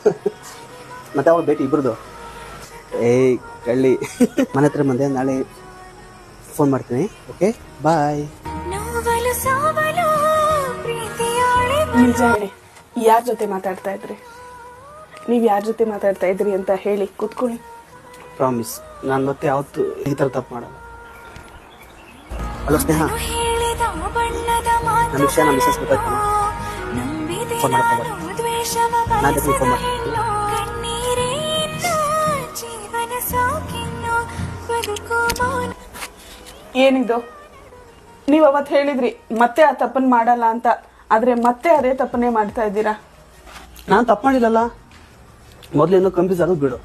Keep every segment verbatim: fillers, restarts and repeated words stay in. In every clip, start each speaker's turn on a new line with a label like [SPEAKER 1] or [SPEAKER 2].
[SPEAKER 1] ಮತ್ತೆ ಅವ್ರು ಭೇಟಿ ಇಬ್ರದು. ಏಯ್ ಕಳ್ಳಿ, ಮನೆ ಹತ್ರ ಬಂದೆ, ನಾಳೆ ಫೋನ್ ಮಾಡ್ತೀನಿ. Okay bye.
[SPEAKER 2] ನಿಜ ಹೇಳಿ, ಯಾರ ಜೊತೆ ಮಾತಾಡ್ತಾ ಇದ್ರಿ? ನೀವ್ ಯಾರ ಜೊತೆ ಮಾತಾಡ್ತಾ ಇದ್ರಿ ಅಂತ ಹೇಳಿ ಕೂತ್ಕೊಳ್ಳಿ.
[SPEAKER 1] ಪ್ರಾಮಿಸ್, ನಾನು ಮತ್ತೆ ಯಾವತ್ತು ಈ ಥರ ತಪ್ಪು ಮಾಡಲ್ಲ. ಹಲೋ ಸ್ನೇಹ, ನನ್ನ ವಿಷಯ ನಮ್ಮ ಮಿಸಸ್ ಗೊತ್ತಾಯ್ತು. ಫೋನ್ ಮಾಡ್ತಾ ನಾನು ಫೋನ್ ಮಾಡ್ತೀನಿ.
[SPEAKER 2] ಏನಿದು? ನೀವ್ ಅವತ್ ಹೇಳಿದ್ರಿ ಮತ್ತೆ ಆ ತಪ್ಪನ್ ಮಾಡಲ್ಲ ಅಂತ, ಆದ್ರೆ ಮತ್ತೆ ಅದೇ ತಪ್ಪನ್ನೇ ಮಾಡ್ತಾ ಇದ್ದೀರಾ.
[SPEAKER 1] ನಾನು ತಪ್ಪು ಮಾಡಿಲ್ಲಲ್ಲ, ಮೊದಲಿಂದ ಕನ್ಫ್ಯೂಸ್ ಆಗೋದು ಬಿಡು.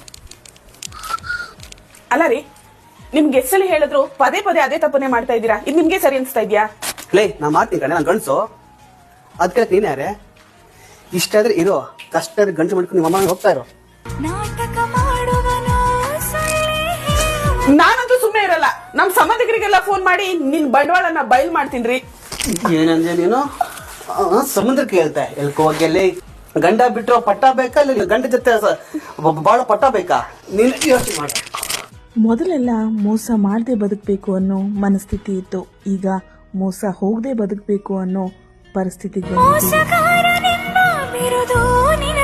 [SPEAKER 2] ಅಲ್ಲ ರೀ, ನಿಮ್ಗೆ ಎಷ್ಟಲ್ಲಿ ಹೇಳಿದ್ರು ಪದೇ ಪದೇ ಅದೇ ತಪ್ಪನ್ನೇ ಮಾಡ್ತಾ ಇದ್ದೀರಾ. ಇದು ನಿಮ್ಗೆ ಸರಿ ಅನ್ಸ್ತಾ ಇದ್ಯಾ?
[SPEAKER 1] ಲೇ, ನಾ ಮಾಡ್ತೀನಿ ಕಣೆ, ನಾನು ಗಂಡಸು. ಅದಕ್ಕೆ ನೀನ್ ಯಾರೇ? ಇಷ್ಟ ಆದ್ರೆ ಇರೋ, ಕಷ್ಟ ಆದ್ರೆ ಗಂಟು ಮಾಡ್ಕೊಂಡು ನಿಮ್ಮ ಅಮ್ಮ ಹೋಗ್ತಾ ಇರೋ.
[SPEAKER 2] ನಾನಂತೂ ಸುಮ್ಮನೆ ಇರಲ್ಲ. ನಮ್ ಸಂಬಂಧಿಕರಿಗೆಲ್ಲ ಫೋನ್ ಮಾಡಿ ನಿನ್ ಬಂಡವಾಳನ ಬಯಲ್ ಮಾಡ್ತೀನ್ರಿ.
[SPEAKER 1] ಏನಂದ್ರೆ ನೀನು ಸಮುದ್ರಕ್ಕೆ ಹೇಳ್ತಾ ಎಲ್ಕೋ ಹೋಗಿ ಗಂಡ ಬಿಟ್ಟರು ಪಟ್ಟ ಬೇಕಾ, ಇಲ್ಲ ಗಂಡ ಜೊತೆ ಬಾಳ ಪಟ್ಟ ಬೇಕಾ? ನೀನು ಯೋಚನೆ ಮಾಡ.
[SPEAKER 3] ಮೊದಲೆಲ್ಲ ಮೋಸ ಮಾಡದೆ ಬದುಕಬೇಕು ಅನ್ನೋ ಮನಸ್ಥಿತಿ ಇತ್ತು. ಈಗ ಮೋಸ ಹೋಗದೆ ಬದುಕಬೇಕು ಅನ್ನೋ ಪರಿಸ್ಥಿತಿಗೆ ಬಂದಿದೆ.